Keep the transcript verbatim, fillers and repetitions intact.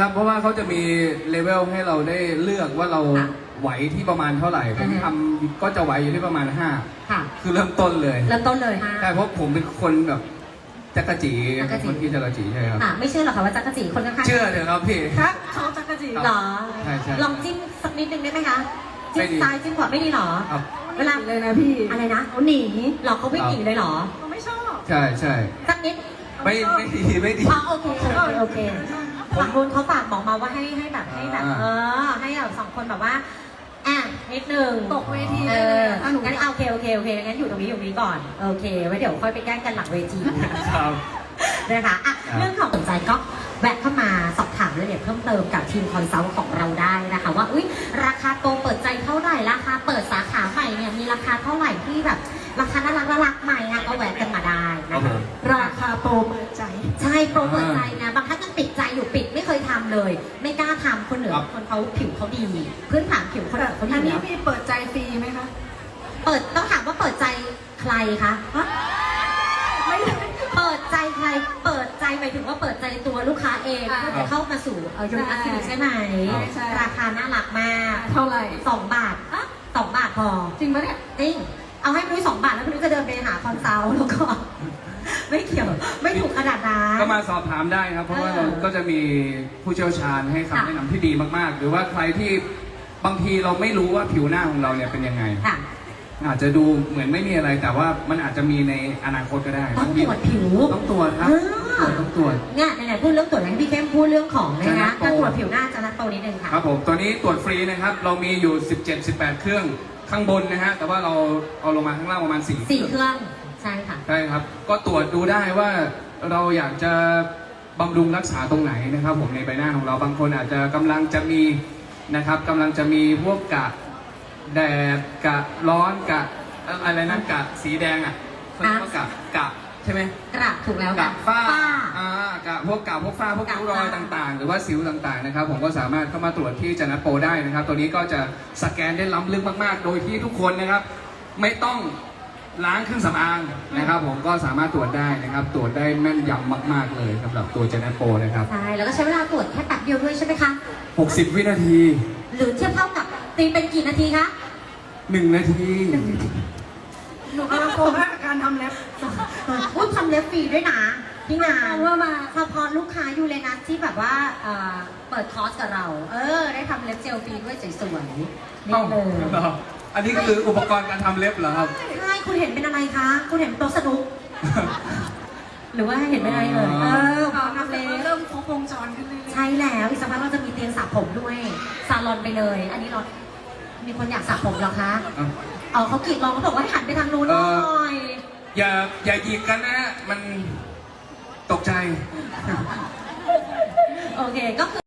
ครับเพราะว่าเขาจะมีเลเวลให้เราได้เลือกว่าเราไหวที่ประมาณเท่าไหร่ผมทำก็จะไหวอยู่ที่ประมาณห้าคือเริ่มต้นเลยเริ่มต้นเลยห้าใช่เพราะผมเป็นคนแบบจักรจีคนที่จักรจีใช่ครับไม่เชื่อหรอกค่ะว่าจักรจีคนข้างๆเชื่อเถอะครับพี่ครับเขาจักรจีหรอใช่ใช่ลองจิ้มสักนิดนึงได้ไหมคะจิ้มซ้ายจิ้มขวาไม่ดีหรอเวลาเลยนะพี่อะไรนะเขาหนีหรอเขาไม่หนีเลยหรอเขาไม่ชอบใช่ใช่สักนิดไม่ไม่ดีไม่ดีอ๋อโอเคโอเคโอเคฝั่งนู้นเขาฝากบอกมาว่าให้ให้แบบให้แบบเออให้แบบสองคนแบบว่าอ่ะนิดนึงตกเวทีเอองั้นโอเคโอเคโอเคงั้นอยู่ตรงนี้อยู่นี้ก่อนโอเคไว้เดี๋ยวค่อยไปแกล้งกันหลังเวทีครับนะคะอ่ะเรื่องของสนใจก็แวะเข้ามาสอบถามรายละเอียดเพิ่มเติมกับทีมคอนซัลท์ของเราได้นะคะว่าอุ้ยราคาโตเปิดใจเท่าไหร่ราคาเปิดสาขาใหม่เนี่ยมีราคาเท่าไหร่ที่แบบราคาน่ารักน่ารักใหม่อ่ะก็แวะกันมาได้นะคะราคาโปรเปิดใจใช่โปรเปิดใจนะบางท่านยังปิดใจอยู่ปิดไม่เคยทำเลย ไม่กล้าทำคนเหนือคนเขาผิวเขาดีพื้นฐานผิวคนเหนือเขาดีอันนี้มีเปิดใจฟรีไหมคะเปิดต้องถามว่าเปิดใจใครคะไม่เปิดใจใครเปิดใจหมายถึงว่าเปิดใจตัวลูกค้าเองเพื่อจะเข้ามาสู่เออยูนิคคลินิกใช่ไหมราคาน่ารักมากเท่าไหร่สองบาทอะสองบาทพอจริงปะเนี่ยจริงเอาให้พี่นุ้ยสองบาทแล้วพี่นุ้ยจะเดินไปหาคอนซัลท์แล้วก็ไม่เกี่ยวไม่ถูกขนาดนั้นก็มาสอบถามได้ครับเพราะว่าเราก็จะมีผู้เชี่ยวชาญให้คำแนะนำที่ดีมากๆหรือว่าใครที่บางทีเราไม่รู้ว่าผิวหน้าของเราเนี่ยเป็นยังไงอาจจะดูเหมือนไม่มีอะไรแต่ว่ามันอาจจะมีในอนาคตก็ได้ต้องตรวจผิวต้องตรวจครับต้องตรวจเนี่ยไหนๆพูดเรื่องตรวจให้พี่เข้มพูดเรื่องของนะคะการตรวจผิวหน้าจะนัดโตนิดนึงค่ะครับผมตัวนี้ตรวจฟรีนะครับเรามีอยู่สิบเจ็ด สิบแปดเครื่องข้างบนนะฮะแต่ว่าเราเอาลงมาข้างล่างประมาณสี่สี่เครื่องใช่ค่ะใช่ครับก็ตรวจดูได้ว่าเราอยากจะบำรุงรักษาตรงไหนนะครับผมในใบหน้าของเราบางคนอาจจะกำลังจะมีนะครับกำลังจะมีพวกกะแดดกะร้อนกะอะไรนะกะสีแดงอ่ะเขาเรียกว่ากะกะใช่ไหมกระถูกแล้วกะฝ้าอ่ากะพวกกะพวกฝ้าพวกริ้วรอยต่างๆหรือว่าสิวต่างๆนะครับผมก็สามารถเข้ามาตรวจที่จันทโปได้นะครับตัวนี้ก็จะสแกนได้ล้ำลึกมากๆโดยที่ทุกคนนะครับไม่ต้องล้างเครื่องสำอางนะครับผมก็สามารถตรวจได้นะครับตรวจได้แม่นยำมากๆเลยสำหรับตัวจันทโปนะครับใช่แล้วก็ใช้เวลาตรวจแค่แป๊บเดียวด้วยใช่ไหมคะหกสิบวินาทีหรือเทียบเท่ากับตีเป็นกี่นาทีคะหนึ่งนาทีหนูกำลังโกงการทำเล็บอุ้ยทำเล็บฟรีด้วยนะพี่งานว่ามาเฉพาะลูกค้ายูเรนัสที่แบบว่าเปิดคอร์สกับเราเออได้ทำเล็บเจลฟรีด้วยสวยๆนี่เลยอันนี้คืออุปกรณ์การทำเล็บเหรอครับใช่คุณเห็นเป็นอะไรคะคุณเห็นโต๊ะสนุกหรือว่าเห็นเป็นอะไรเลยเออทำเล็บเริ่มครบวงจรขึ้นเลยใช่แล้วอีกสักพักเราจะมีเตียงสระผมด้วยซาลอนไปเลยอันนี้เรามีคนอยากสระผมเหรอคะเออเขากรีดร้องเขาบอกว่าให้หันไปทางนู้นหน่อยอย่าอย่าหยิกกันนะมันตกใจโอเคก็คือ